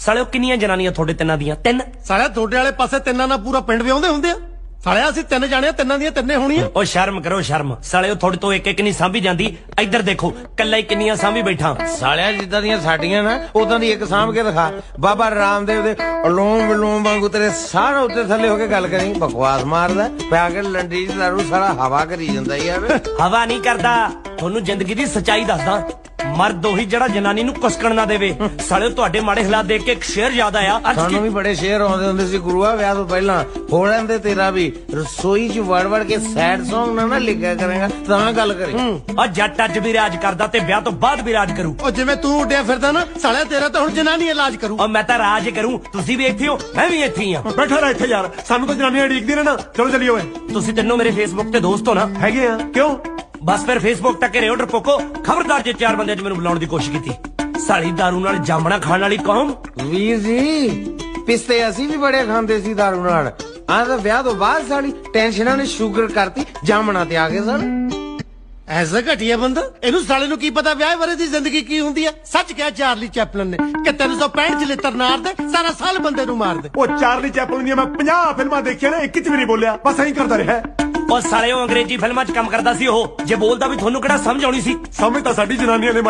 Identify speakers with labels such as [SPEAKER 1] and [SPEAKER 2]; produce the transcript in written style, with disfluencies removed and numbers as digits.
[SPEAKER 1] ਸਾਲਿਓ ਕਿੰਨੀਆਂ ਜਨਾਨੀਆਂ ਤੁਹਾਡੇ ਤਿੰਨਾਂ ਦੀਆਂ? 3।
[SPEAKER 2] ਸਾਲਿਆ ਤੁਹਾਡੇ ਵਾਲੇ ਪਾਸੇ ਤਿੰਨਾਂ ਨਾਲ ਪੂਰਾ ਪਿੰਡ ਵਿਆਹੁੰਦੇ ਹੁੰਦੇ ਆ। ਸਾਲਿਆ ਅਸੀਂ 3 ਜਾਣੇ ਆ, ਤਿੰਨਾਂ ਦੀਆਂ ਤਿੰਨੇ ਹੋਣੀਆਂ।
[SPEAKER 1] ਉਹ ਸ਼ਰਮ ਕਰੋ ਸ਼ਰਮ। ਸਾਲਿਓ ਤੁਹਾਡੇ ਤੋਂ ਇੱਕ ਨਹੀਂ ਸਾਂਭੀ ਜਾਂਦੀ। ਇੱਧਰ ਦੇਖੋ ਕੱਲਾ ਹੀ ਕਿੰਨੀਆਂ ਸਾਂਭੀ ਬੈਠਾ।
[SPEAKER 3] ਸਾਲਿਆ ਜਿੱਦਾਂ ਦੀਆਂ ਸਾਡੀਆਂ ਨਾ ਉਦਾਂ ਦੀ ਇੱਕ ਸਾਂਭ ਕੇ ਦਿਖਾ। ਬਾਬਾ ਰਾਮਦੇਵ ਦੇ ਅਲੋਮ ਵਿਲੋਮ ਵਾਂਗੂ ਤੇਰੇ ਸਾਰਾ ਉੱਤੇ ਥੱਲੇ ਹੋ ਕੇ ਗੱਲ ਕਰੀ। ਬਕਵਾਸ ਮਾਰਦਾ ਪਿਆ ਕੇ ਲੰਡੀ ਚ ਦਾਰੂ ਸਾਰਾ ਹਵਾ ਕਰੀ ਜਾਂਦਾ ਯਾਰ।
[SPEAKER 1] ਹਵਾ ਨਹੀਂ ਕਰਦਾ, ਤੁਹਾਨੂੰ ਜ਼ਿੰਦਗੀ ਦੀ ਸੱਚਾਈ ਦੱਸਦਾ। ਮਰਦ ਉਹੀ ਜਿਹੜਾ ਜਨਾਨੀ ਨੂੰ ਕੁਸਕਣ ਨਾ ਦੇਵੇ। ਸਾਲਿਓ ਤੁਹਾਡੇ ਮਾੜੇ ਹਾਲਾਤ ਦੇਖ ਕੇ ਇੱਕ ਸ਼ੇਰ ਯਾਦ ਆਇਆ।
[SPEAKER 3] ਸਾਨੂੰ ਵੀ ਬੜੇ ਸ਼ੇਰ ਆਉਂਦੇ ਹੁੰਦੇ ਸੀ ਗੁਰੂਆ ਵਿਆਹ ਤੋਂ ਪਹਿਲਾਂ। ਹੋ ਲੈਂਦੇ ਤੇਰਾ ਵੀ। ਰਸੋਈ ਚ ਵੜ ਕੇ ਸੈਡ ਸੌਂਗ ਨਾ ਲਿਖਿਆ ਕਰੇਗਾ ਤਾਂ ਗੱਲ ਕਰੀ।
[SPEAKER 1] ਆ ਜੱਟ ਅੱਜ ਵੀ ਰਾਜ ਕਰਦਾ ਤੇ ਵਿਆਹ ਤੋਂ ਬਾਅਦ ਵੀ ਰਾਜ ਕਰੂ।
[SPEAKER 2] ਉਹ ਜਿਵੇਂ ਤੂੰ ਉੱਡਿਆ ਫਿਰਦਾ ਨਾ ਸਾਲਿਆ, ਤੇਰਾ ਤਾਂ ਹੁਣ ਜਨਾਨੀ ਇਲਾਜ ਕਰੂ।
[SPEAKER 1] ਉਹ ਮੈਂ ਤਾਂ ਰਾਜ ਕਰੂੰ। ਤੁਸੀਂ ਵੀ ਇੱਥੇ ਹੋ, ਮੈਂ ਵੀ ਇੱਥੇ ਹੀ ਆ।
[SPEAKER 4] ਬੈਠਾ ਰਹਿ ਇੱਥੇ ਯਾਰ, ਸਾਨੂੰ ਤਾਂ ਜਨਾਨੀਆਂ ਢੀਕਦੀ ਨੇ ਨਾ। ਚਲੋ ਚੱਲੀਏ ਓਏ।
[SPEAKER 1] ਤੁਸੀਂ ਤਿੰਨੋਂ ਮੇਰੇ ਫੇਸਬੁੱਕ ਤੇ ਦੋਸਤ ਹੋ ਨਾ?
[SPEAKER 4] ਹੈਗੇ ਆ। ਕਿਉਂ?
[SPEAKER 1] ਬਸ ਫਿਰ ਫੇਸਬੁੱਕ ਤੱਕ ਰਿਓ ਡਰਪੋਕੋ। ਖਬਰਦਾਰ ਜੇ 4 ਬੰਦਿਆਂ 'ਚ ਮੈਨੂੰ ਬੁਲਾਉਣ ਦੀ ਕੋਸ਼ਿਸ਼ ਕੀਤੀ। ਸਾਲੀ ਦਾਰੂ ਨਾਲ ਜਾਮਣਾ ਖਾਣ ਵਾਲੀ ਕੌਮ।
[SPEAKER 3] ਵੀਰ ਜੀ ਪਿਸਤੇ ਅਸੀਂ ਵੀ ਬੜੇ ਖਾਂਦੇ ਸੀ ਦਾਰੂ ਨਾਲ। ਆਹ ਤਾਂ ਵਿਆਹ ਤੋਂ ਬਾਅਦ ਸਾਲੀ ਟੈਨਸ਼ਨਾਂ ਨੇ ਸ਼ੂਗਰ ਕਰਤੀ, ਜਾਮਣਾ ਤੇ ਆ ਗਏ ਸਨ।
[SPEAKER 2] ਐਸਾ ਘਟੀਆ ਬੰਦਾ, ਇਹਨੂੰ ਸਾਲੇ ਨੂੰ ਕੀ ਪਤਾ ਵਿਆਹ ਬਾਰੇ ਦੀ ਜ਼ਿੰਦਗੀ ਕੀ ਹੁੰਦੀ ਆ। ਸੱਚ ਕਿਹਾ ਚਾਰਲੀ ਚੈਪਲਨ ਨੇ ਕਿ 365 ਚਲਿੱਤਰ ਨਾਰ ਦੇ ਸਾਰਾ ਸਾਲ ਬੰਦੇ ਨੂੰ ਮਾਰ ਦੇ।
[SPEAKER 4] ਉਹ ਚਾਰਲੀ ਚੈਪਲਨ ਦੀਆਂ ਮੈਂ 50 ਫਿਲਮਾਂ ਦੇਖੀਆਂ ਨੇ, ਇੱਕ ਚ ਵੀ ਨਹੀਂ ਬੋਲਿਆ। ਬਸ ਐਂ ਕਰਦਾ ਰਿਹਾ।
[SPEAKER 1] ਉਹ ਸਾਲੇ ਉਹ ਅੰਗਰੇਜ਼ੀ ਫਿਲਮਾਂ 'ਚ ਕੰਮ ਕਰਦਾ ਸੀ। ਉਹ ਜੇ ਬੋਲਦਾ ਵੀ ਤੁਹਾਨੂੰ ਕਿਹੜਾ ਸਮਝ ਆਉਣੀ ਸੀ?
[SPEAKER 4] ਸਮਝ ਤਾਂ ਸਾਡੀ ਜਨਾਨੀਆਂ ਨੇ